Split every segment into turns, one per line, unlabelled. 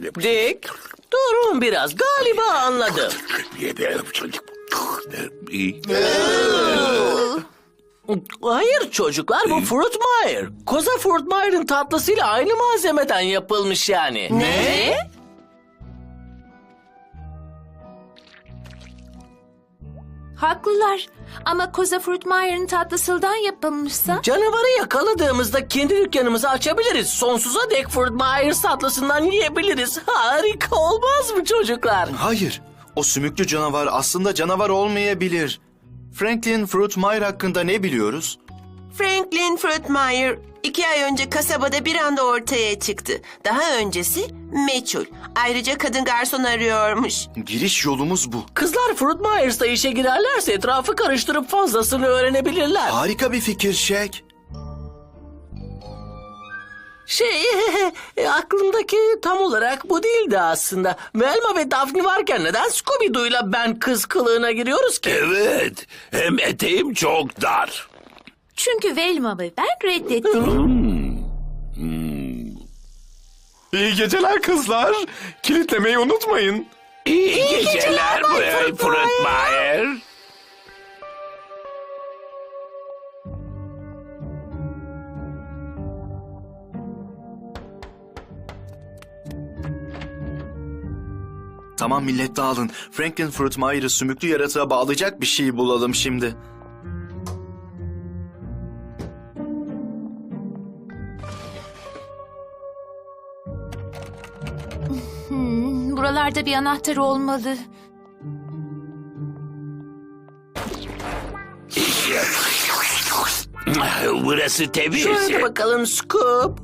Dick, durun biraz. Galiba anladım. Hayır çocuklar, bu Fruitmire. Koza Fruitmire'ın tatlısıyla aynı malzemeden yapılmış yani.
Ne?
Haklılar. Ama Koza Fruitmire'ın tatlısından yapılmışsa...
Canavarı yakaladığımızda kendi dükkanımızı açabiliriz. Sonsuza dek Fruitmire tatlısından yiyebiliriz. Harika olmaz mı çocuklar?
Hayır, o sümüklü canavar aslında canavar olmayabilir. Franklin Fruitmire hakkında ne biliyoruz?
Franklin Fruitmire 2 ay önce kasabada bir anda ortaya çıktı. Daha öncesi meçhul. Ayrıca kadın garson arıyormuş.
Giriş yolumuz bu.
Kızlar Fruitmire's'ta işe girerlerse etrafı karıştırıp fazlasını öğrenebilirler.
Harika bir fikir Shaq.
Aklımdaki tam olarak bu değildi aslında. Velma ve Daphne varken neden Scooby-Doo'yla ben kız kılığına giriyoruz ki?
Evet, hem eteğim çok dar.
Çünkü Velma ve ben reddettik.
İyi geceler kızlar. Kilitlemeyi unutmayın.
İyi geceler Bay Fruitmire.
Tamam millet dağılın. Franklin Fruitmire'ı sümüklü yaratığa bağlayacak bir şey bulalım şimdi.
Buralarda bir anahtar olmalı.
Burası temiz.
Şöyle bakalım Scoop.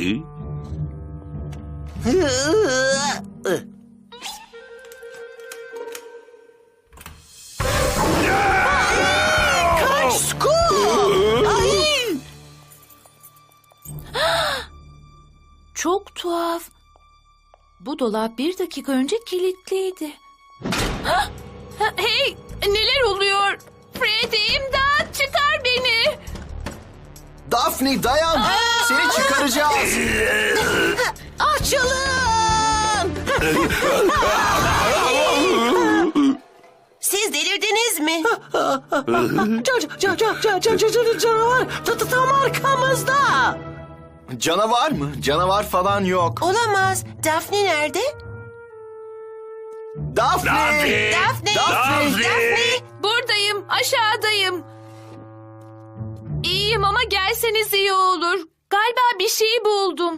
Kaç Scoop! Ay!
Çok tuhaf. Bu dolap 1 dakika önce kilitliydi. Hah! Hey! Neler oluyor? Freddy, imdat! Çıkar beni!
Daphne dayan! Seni çıkaracağız!
Açılın!
Siz delirdiniz mi?
Canavar tam arkamızda.
Canavar mı? Canavar falan yok.
Olamaz. Daphne nerede?
Daphne!
Daphne! Daphne!
Buradayım, aşağıdayım. İyiyim ama gelseniz iyi olur. Galiba bir şey buldum.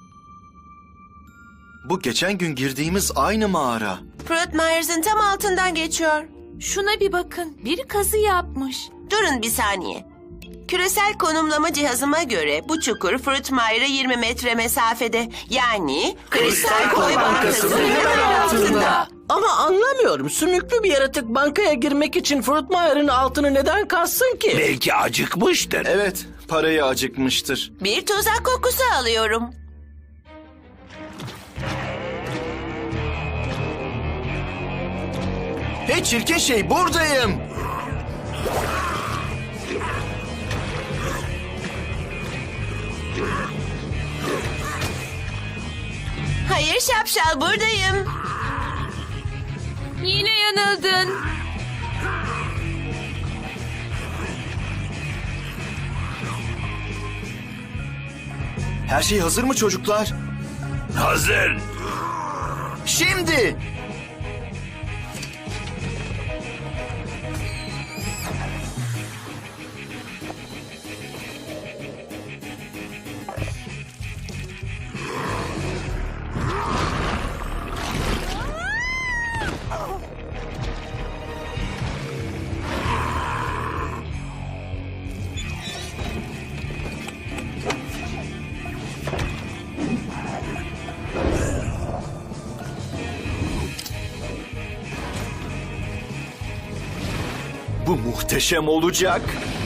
Bu geçen gün girdiğimiz aynı mağara.
Fruitmire'ın tam altından geçiyor.
Şuna bir bakın, biri kazı yapmış.
Durun bir saniye. Küresel konumlama cihazıma göre bu çukur Fruitmire'a 20 metre mesafede. Yani Kristal Koy Bankası'nın hemen altında.
Ama anlamıyorum. Sümüklü bir yaratık bankaya girmek için Fruitmire'ın altını neden kassın ki?
Belki acıkmıştır.
Evet, parayı acıkmıştır.
Bir tuzak kokusu alıyorum.
Hey çirkin şey, buradayım!
Hayır şapşal, buradayım.
Yine yanıldın.
Her şey hazır mı çocuklar?
Hazır.
Şimdi! Bu muhteşem olacak.